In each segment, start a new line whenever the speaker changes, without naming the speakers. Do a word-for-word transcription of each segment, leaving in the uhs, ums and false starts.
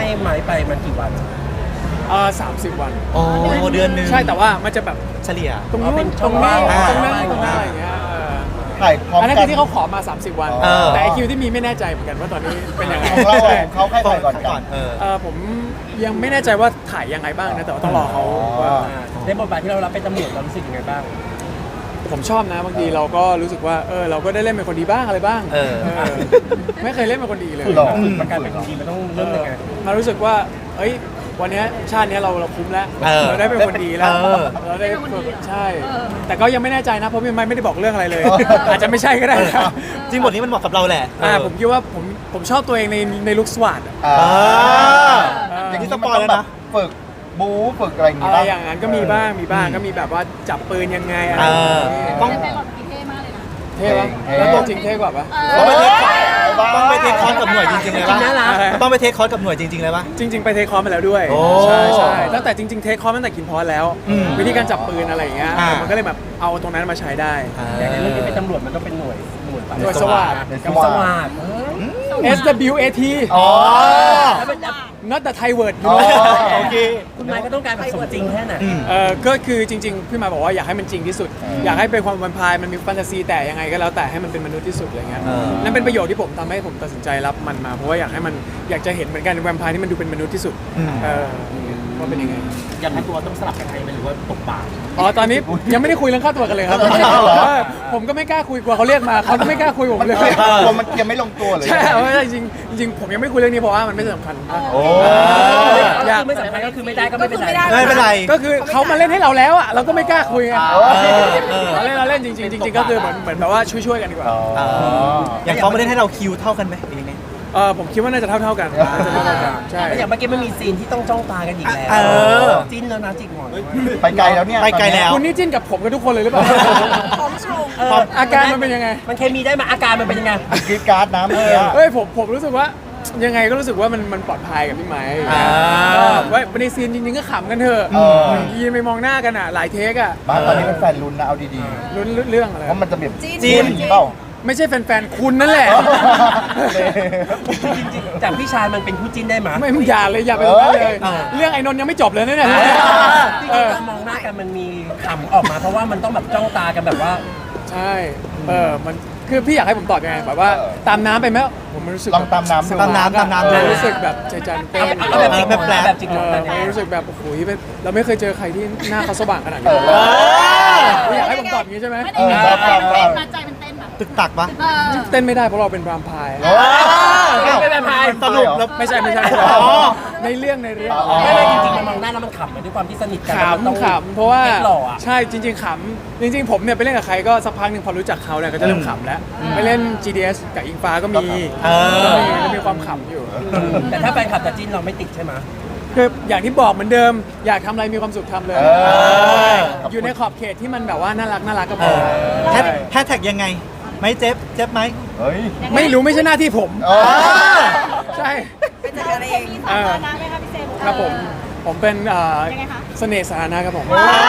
ไม้ไปมันกี่วัน
เออสามสิบวัน
โอ้เดือนนึง
ใช่แต่ว่ามันจะแบบ
เฉลี่ย
ตรงนู้นตรงนี้ตรงนั้นตรงนั้นอะไรอย่างเงี้ย
ถ่ายพร้อมกัน
อันนั้นคือที่เขาขอมาสามสิบวันแต่ไอคิวที่มีไม่แน่ใจเหมือนกันว่าตอนนี้เป็นยังไง
ของเราเขาใครถ่ายก่อนก่อน
เออ
เออผมยังไม่แน่ใจว่าถ่ายยังไงบ้างนะแต่ว่าต้องรอเขา
ในบทบาทที่เรารับเป็นตำรวจเรารู้สึกยังไงบ้าง
ผมชอบนะบางทีเราก็รู้สึกว่าเออเราก็ได้เล่นเป็นคนดีบ้างอะไรบ้างไม่เคยเล่นเป็นคนดีเลย
มันการเป็นคนดีมันต้องเริ่มยังไง
มารู้สึกว่าเอ้ยวันนี้ชาตินี้เราเราคุ้มแล้วเราได้เป็นคนดีแล้วเราได้ใช่แต่ก็ยังไม่แน่ใจนะเพราะพี่ไม่ไม่ได้บอกเรื่องอะไรเลยอาจจะไม่ใช่ก็ได้
จริงบทนี้มันเหมาะกับเราแหละ
อ่าผมคิดว่าผมผมชอบตัวเองในในลุคสวัสดิ์
อย่างนี้สปอยแล้วนะฝึกบู๊ฝึกอะไรอย่างเงี้ย
อะไรอย่างนั้นก็มีบ้างมีบ้างก็มีแบบว่าจับปืนยังไงอะไร
ต้องไปหลอดกี่เท่มากเลยนะ
เท่ปะแล้วตัวจริงเท่กว่าปะ
ต้องไปเทคคอร์สกับหน่วยจริงๆเลยปะต้องไปเทคคอร์สกับหน่วยจริงๆเลยปะ
จริงๆไปเทคคอร์สมาแล้วด้วยใช่ใช่ตั้งแต่จริงๆเทคคอร์สตั้งแต่กินพอสแล้ววิธีการจับปืนอะไรอย่างเงี้ยมันก็เลยแบบเอาตรงนั้นมาใช้ได้
อย่างในเรื่องที่เป็นตำรวจมันก็เป็นหน่วยหน่วย
หน่วยสวัสดิ์
กับสวัสดิ์
เอส ดับเบิลยู เอ ที
อ๋อ
not the Thai word
โอเคคุณไม้ก็ต้องการแบบสมจริงแค่ไหน
เออก็คือจริงๆพี่มาบอกว่าอยากให้มันจริงที่สุดอยากให้เป็นความแวมไพร์มันมีแฟนตาซีแต่ยังไงก็แล้วแต่ให้มันเป็นมนุษย์ที่สุดอะไรเงี้ยนั่นเป็นประโยชน์ที่ผมทำให้ผมตัดสินใจรับมันมาเพราะว่าอยากให้มันอยากจะเห็นเหมือนกันแวมไพร์ที่มันดูเป็นมนุษย์ที่สุดเออว่าเป็นยังไง
อยากให้ตัวต้องสลับกันใครหรือว่าตกปาก
อ๋อตอนนี้ยังไม่ได้คุยเรื่องค่าตัวกันเลยครับผมก็ไม่กล้าคุยกลัวเขาเรียกมาเขาไม่กล้าคุยผมเลย
กลัวมันยังไม่ลงตัวเลย
ใช่จริงจริงผมยังไม่คุยเรื่องนี้เพราะว่ามันไม่สำคัญ
โอ้
อยากไม่สำคัญก็คือไม่ได้ก็ไม่เป็นไร
ไม่เป็นไร
ก็คือเขามาเล่นให้เราแล้วอ่ะเราก็ไม่กล้าคุยไงเราเล่นเราเล่นจริงจริงก็คือเหมือนเหมือนแบบว่าช่วยๆกันดีกว่า
อย่างเขามาเล่นให้เราคิวเท่ากันไหม
เออผมคิดว่าน่าจะเท่าเท่ากัน
ใช่อย่างเมื่อกี้มันมีซีนที่ต้องจ้องตากันอีกแล้วจิ้นแล้วนะจิกหมอน
ไปไกลแล้วเนี่ย
ไปไกลแล้ว
คุณนี่จิ้นกับผมกับทุกคนเลยหรือเปล่า
ของชม
อาการมันเป็นยังไง
มันเคมีได้มาอาการมันเป็นยังไง
กรีดการ์ดน้ำเนี่ย
เฮ้ยผมผมรู้สึกว่ายังไงก็รู้สึกว่ามันมันปลอดภัยกับพี่ไม้ว่าในซีนจริงๆก็ขำกันเถอะยืนไปมองหน้ากันอ่ะหลายเทคอ่ะ
บ้านตอนนี้เป็นแฟนลุ้นนะเอาดี
ๆลุ้นเรื่องอะไร
เพราะมันจะแบบ
จีน
เปล่า
ไม่ใช่แฟนๆคุณนั่นแหละ
จริงๆจากพี่ชายมันเป็นคู่จิ้นได้ไหม
ไม่มึงอย่าเลยอย่าไปตรงนั้นเลยเรื่องไอ้นนท์ยังไม่จบเลยเนี่ย
การมองหน้ากันมันมีขำออกมาเพราะว่ามันต้องแบบจ้องตากันแบบว่า
ใช่เออมันคือพี่อยากให้ผมตอบยังไงแบบว่าตามน้ำไปไหมผมรู้สึก
ลองตามน้ำ
ตามน้ำตามน้ำ
รู้สึกแบบใจจันเต้น
แบบจิกแบบแบบจิก
รู้สึกแบบโอ้โหเราไม่เคยเจอใครที่หน้าเขาสว่างขนาดนี้อยากให้ผมตอบอย่างนี้ใช่ไหม
ไม่ได้ใจมันเต้นมาใจมันเต้นแบบ
ตึกตักปะ
เต้นไม่ได้เพราะเราเป็นแวมไพร์
ไม่เป็นแวมไพร์
สรุปไม่ใช่ไม่ใช่ในเรื่องในเรื่อง
ไม่ไม่จริงๆมันมองหน้าแล้วมันขำด้วยความที่สนิทกัน
ขำขำเพราะว่าใช่จริงๆขำจริงๆผมเนี่ยไปเล่นกับใครก็สักพักหนึ่งพอรู้จักเขาเนี่ยก็จะเริ่มขำแล้วไปเล่น จี ดี เอส กับอิงฟ้าก็มีก็มีความขำอยู่
แต่ถ้าแฟนคลับจะจิ้นเราไม่ติดใช่ไหม
คืออย่างที่บอกเหมือนเดิมอยากทำอะไรมีความสุขทำเลยอยู่ในขอบเขตที่มันแบบว่าน่ารักน่ารักก็พอ
แฮชแท็กยังไงไม่เจ็บเจ็บไหม
ไม่รู้ไม่ใช่หน้าที่ผมใช่
เป็นจัดการเองมีสาธารณะไหมคะพี่เซม
ครับผมผมเป็นเสน่ห์สาธารณะครับผม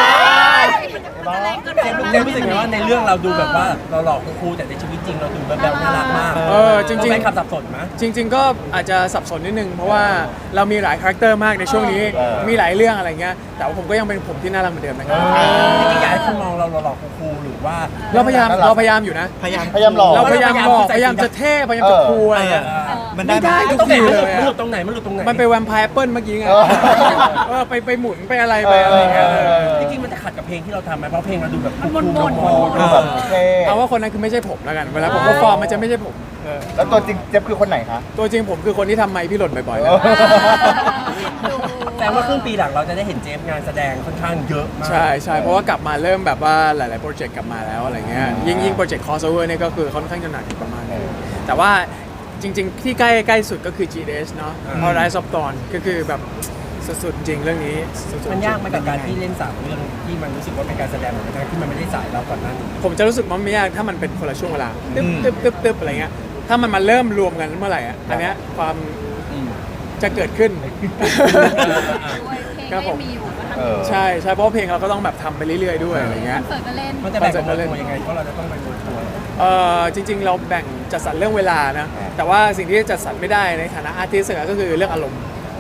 เจมรู้สึกไงว่าในเรื่องเราดูแบบว่าเราหลอกครูแต่ในชีวิตจริงเราดูแบบน่ารักมาก
เออจริง
ๆขับสับสนไหม
จริงๆก็อาจจะสับสนนิดนึงเพราะว่าเรามีหลายคาแรคเตอร์มากในช่วงนี้มีหลายเรื่องอะไรเงี้ยแต่ว่าผมก็ยังเป็นผมที่น่ารักเหมือนเดิมนะครับ
จริงๆอยากให้คุณมองเราหลอกครูหรือว่า
เราพยายามเราพยายามอยู่นะ
พยายาม
พยายามหลอก
เราพยายามบอกพยายามจะเท่พยายามจะคูลอะไรเงี้ย
มัน
ได้ทุกทีเลย
มันหลุดตรงไหนมันหลุดตรงไหน
มันไปแวมไพร์แอปเปิลเมื่อกี้ไงเออไปไปหมุนไปอะไรไปอะไรเงี้ย
จริงๆมันจะขัดกับเพลงที่เราทำไหมเพราะเพลงเราดูแบบ
มันมน
ๆเอาว่าคนนั้นคือไม่ใช่ผมแล้วกันเวลาผมก็ฟอร์มมันจะไม่ใช่ผม
แล้วตัวจริงเจ็บคือคนไหนคะ
ตัวจริงผมคือคนที่ทำไมพี่หล่นบ่อยๆ
แต่ว่าครึ่งปีหลังเราจะได้เห็นเจมส์งานแสดงค่อนข้างเยอะมาก
ใช่ใช่เพราะว่ากลับมาเริ่มแบบว่าหลายๆโปรเจกต์กลับมาแล้วอะไรเงี้ยยิ่งยิ่งโปรเจกต์ crossover เนี่ยก็คือค่อนข้างจะหนักประมาณนึงแต่ว่าจริงๆที่ใกล้ใกล้สุดก็คือ จี ดี เอส เนาะ Rise of Dawn ก็คือแบบสุดๆจริงเรื่องนี้
มันยากไหมกับการที่เล่นสามเรื่องที่มันรู้สึกว่าเป็นการแสดงเหมือนกันที่มันไม่ได้สายเราก่อนหน้านี้
ผมจะรู้สึกมันไม่ยากถ้ามันเป็นคนละช่วงเวลาตึ๊บตึ๊บตึ๊บตึ๊บอะไรเงี้ยถ้ามันมาเริ่มรวมกันเมื่อไหร่อ่ะอันเนี้ยความจะเกิดขึ้น
ครับผม
ใช่ใช่เพราะเพลงเราก็ต้องแบบทำไปเรื่อยๆด้วยอะไรเงี้ย
มันจะแบ่งกันเล่นยังไงเพราะเราจะต้องไปโดนตัว
เออจริงๆเราแบ่งจัดสรรเรื่องเวลานะแต่ว่าสิ่งที่จัดสรรไม่ได้ในฐานะอาร์ติสต์ก็คือเรื่องอารมณ์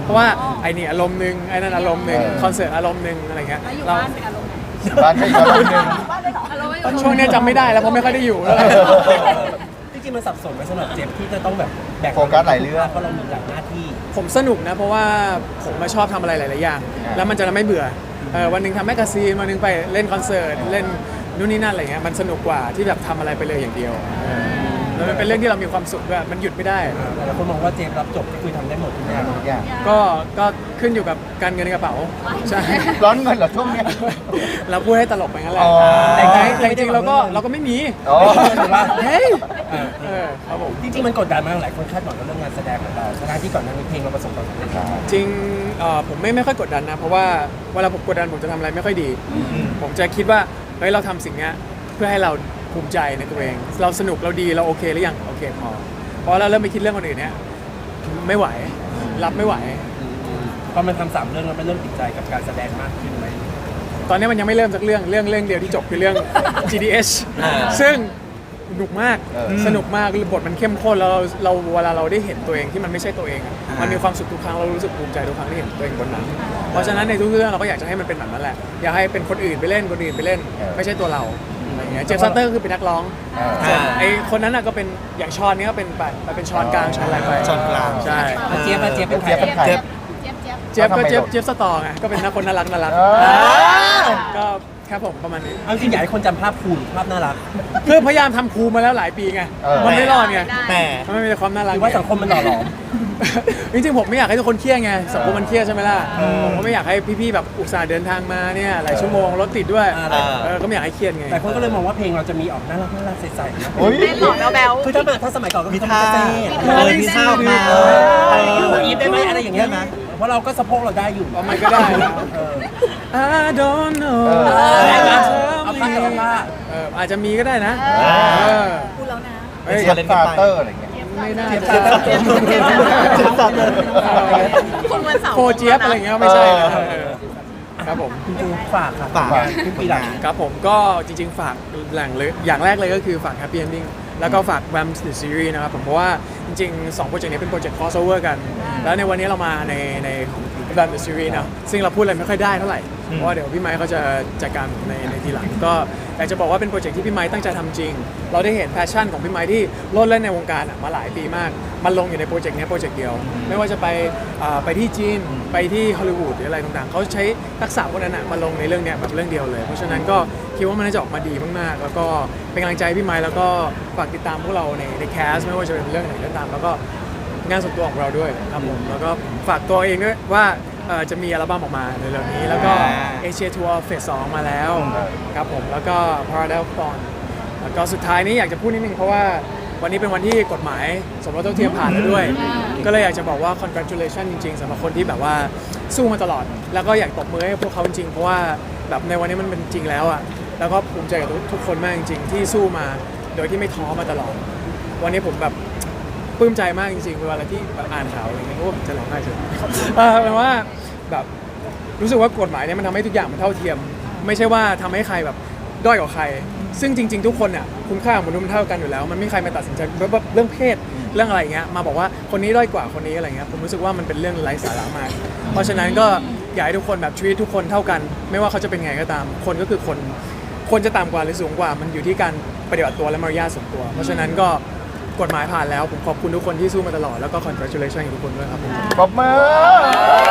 เพราะว่าไอ้นี่อารมณ์หนึ่งไอ้นั่นอารมณ์หนึ่ง
เออ
คอนเสิร์ตอารมณ์หนึ่งอะไรเงี้ย
แล้วอยู่
เรา
บ้านเป็นอารมณ์ไหน
บ้านก็อีกอารมณ์หนึ่ง
บ้านเลยเหรออารมณ์ไม่อยู่
ช่วงเนี้ยจำไม่ได้แล้วเพราะไม่ค่อยได้อยู่แล้ว
จริงๆมันสับสนไหมสำหรับเจฟที่จะต้องแบบแบก
โฟกัสหลายเรื่อง
เพราะเรามีหลายหน้าที่
ผมสนุกนะเพราะว่าผมมาชอบทำอะไรหลาย ๆ อย่าง
อ่า
แล้วมันจะไม่เบื่อเออวันหนึ่งทำแมกกาซีนวันหนึ่งไปเล่นคอนเสิร์ตเล่นนู่นนี่นั่นอะไรเงี้ยมันสนุกกว่าที่แบบทำอะไรไปเลยอย่างเดียวเออแล้วมันเป็นเรื่องที่เรามีความสุขด้วยมันหยุดไม่ได้
แต่ละคนมองว่าเจฟรับจบก็คือทำได้หมดทุกอย่าง
ทุกอย่าง
ก็ก็ขึ้นอยู่กับการเงินในกระเป๋าใช่
ร้อนเงินเหรอช่วงเนี้ย
เราพูดให้ตลกไปงั้นแหละ
อ๋อ
แต่จริงๆแต่จริงๆเราก็เราก็ไม่มี
อ๋อ
ถือว่า
เฮ้ย
เออ
เออครับผม
จริงๆมันกดดันมากหลายคนคาดหวังกับเรื่องงานแสดงของเราทั้งที่ก่อนหน้านี้เพลงเราประสบความสำเร็จแล้ว
จริงเอ่อผมไม่ไม่ค่อยกดดันนะ เพราะว่าเวลาผมกดดันผมจะทำอะไรไม่ค่อยดี ผมจะคิดว่าเฮ้ยเราทำสิ่งเนี้ยเพื่อให้เราภูมิใจในตัวเอง เราสนุกเราดีเราโอเคหรือยังโอเคพอพอเราเริ่มไปคิดเรื่องคนอื่นเนี้ยไม่ไหวรับไม่ไหว
พอมันทำสามเรื่องแล้วมันเริ่มติดใจกับการแสดงมากขึ้นไหม
ตอนนี้มันยังไม่เริ่มสักเรื่องเรื่องเรื่องเดียวที่จบคือเรื่อง จี ดี เอช
อ่า
ซึ่งสนุกมาก
เออ
สนุกมากบทมันเข้มข้นแล้วเราเราเวลาเราได้เห็นตัวเองที่มันไม่ใช่ตัวเองอะมันมีความสุขทุกครั้งเรารู้สึกภูมิใจทุกครั้งที่เห็นตัวเองบนนั้นเพราะฉะนั้นในทุกเรื่องเราก็อยากจะให้มันเป็นแบบนั้นแหละอยากให้เป็นคนอื่นไปเล่นคนอื่นไปเล่น ไม่ใช่ตัวเราอะไรอย่างเงี้ยเจฟซัตเตอร์ก็คือเป็นนักร้อง
อ่า
ส่วนไอ้คนนั้นน่ะก็เป็นอย่างชอนเนี้ยก็เป็นแบบเป็นชอนกลางชอนอะไรไป
ช้อนกลาง
ใช่
แล้วเจฟอะเจฟเป็นใคร
เจฟเป็นใคร
เจี๊ยบเจี๊ยบเจี๊ยบ
เจฟก็
ทำไม
เจฟ
โดด
เจฟสตอร์ไงก็เป็นนักคนน่ารักน่ารัก
อ่า
ก็ครับผมประมาณนี้
เอาจริงอยากให้คนจำภาพคูณภาพน่ารัก
คือพยายามทำครูมาแล้วหลายปีไง
เออ
มันไม่รอดไง
แต่
มันไม่มีแต่ความน่ารัก
หรือว่าสังคมมันหล่อหลอม
จริงๆผมไม่อยากให้ทุกคนเครียดไงสังคมมันเครียดใช่ไหมล่ะผมก็ไม่อยากให้พี่ๆแบบอุตส่าห์เดินทางมาเนี่ยหลายชั่วโมงรถติดด้วย
อ่า
เออก็ไม่อยากให้เครียดไง
แต่คนก็เลยมองว่าเพลงเราจะมีออกน่ารักน่ารักใสๆนะ
โอ้ย
เต้นหล่อแบ๊ว
คือถ้าถ้าสมัยก่อนก็
มี
คือ
ท่า
เต้
เออมีท่าออกมา
เอ
เอ
อ
อ
หัวอีฟได้ไหมอะไรอย่างเงี้ยนะเพราะเราก็สะโพกเราได้อยู่
ประมาณก็ได้นะ
เออ
I don't know
เออ
ได้ไหม
เธอ
เอาผ้ากับผ้า
เอออาจจะมีก็ได้นะ
อ่า
เออ
ๆพูดแล้วนะ
เฮ้ย
เจฟฟาเตอร์อะไรเงี้ย
ไม่น่า
เจี๊ยบ
จะ
เจี๊ยบเจี๊ยบ
เจฟฟาเตอร์
คุณวันเสาร์
โฟเจี๊ยบอะไรอย่างเงี้ยไม่ใช่นะเออครับผม
คุณจูฝากค่ะ
ฝาก
ครึ่งปีหลัง
ครับผมก็จริงๆ ฝากแหล่งเลยอย่างแรกเลยก็คือฝาก Happy Ending แล้วก็ฝาก Vamps The Series นะครับผมเพราะว่าจริงๆสองโปรเจกต์นี้เป็นโปรเจกต์ crossover กัน แล้วในวันนี้เรามาในใน Vamps The Series นะซึ่งเราพูดอะไรไม่ค่อยได้เท่าไหร่ เพราะว่าเดี๋ยวพี่ไมค์เขาจะจัดการในในทีหลัง ก็อยากจะบอกว่าเป็นโปรเจกต์ที่พี่ไมค์ตั้งใจทำจริง เราได้เห็นแพชชั่นของพี่ไมค์ที่โลดเล่นในวงการอะมาหลายปีมาก มันลงอยู่ในโปรเจกต์นี้โปรเจกต์เดียว ไม่ว่าจะไปอ่าไปที่จีนไปที่ฮอลลีวูดหรืออะไรต่างๆเขาใช้ทักษะพวกนั้นอะมาลงในเรื่องเนี้ยแบบเรื่องเดียวเลย เพราะฉะนั้นก็คิดว่ามันน่าจะออกมาดีมากๆ แล้วก็เป็นกำลังใจให้พี่ไมค์แล้วก็ฝากติดตามพวกเราในในแคสไม่ว่าจะเป็นเรื่องไหนก็ตาม แล้วก็งานส่วนตัวของเราด้วยครับผมแล้วก็ฝากตัวเองด้วยว่าเอ่อจะมีอัลบั้มออกมาในเร็วๆนี้ แล้วก็เอเชียทัวร์เฟสสองมาแล้วครับผมแล้วก็ Paradise Dawn แล้วก็สุดท้ายนี้อยากจะพูดนิดนึงเพราะว่าวันนี้เป็นวันที่กฎหมายสมรสเท่าเทียมผ่านแล้วด้วย ก็เลยอยากจะบอกว่า congratulation จริงๆสำหรับคนที่แบบว่าสู้มาตลอด แล้วก็อยากตบมือให้พวกเขาจริงๆเพราะว่าแบบในวันนี้มันเป็นจริงแล้วอ่ะแล้วก็ภูมิใจกับทุกคนมากจริงๆที่สู้มาโดยที่ไม่ท้อมาตลอด วันนี้ผมแบบปลื้มใจมากจริงๆเวลาที่แบบอ่านข่าวอะไรเงี้ยเพราะว่าผมจะร้องไห้เฉยเออแปลว่าแบบรู้สึกว่ากฎหมายเนี่ยมันทำให้ทุกอย่างมันเท่าเทียม ไม่ใช่ว่าทำให้ใครแบบด้อยกว่าใคร ซึ่งจริง ๆ ทุกคนเนี่ยคุณค่าของมนุษย์มันเท่ากันอยู่แล้ว มันไม่มีใครมาตัดสินใจแบบเรื่องเพศเรื่องอะไรเงี้ยมาบอกว่าคนนี้ด้อยกว่าคนนี้อะไรเงี้ยผมรู้สึกว่ามันเป็นเรื่องไร้สาระมาก เพราะฉะนั้นก็อยากให้ทุกคนแบบชีวิตทุกคนเท่ากัน ไม่ว่าเขาจะเป็นไงก็ตาม คนก็คือคนคนจะต่ำกว่าหรือสูงกว่า มันอยู่ที่การปฏิบัติตัวและมารยาทส่วนตัว เพราะฉะนั้นก็กฎหมายผ่านแล้วผมขอบคุณทุกคนที่สู้มาตลอดแล้วก็ congratulation กับทุกคนด้วยครับผม
ปรบมือ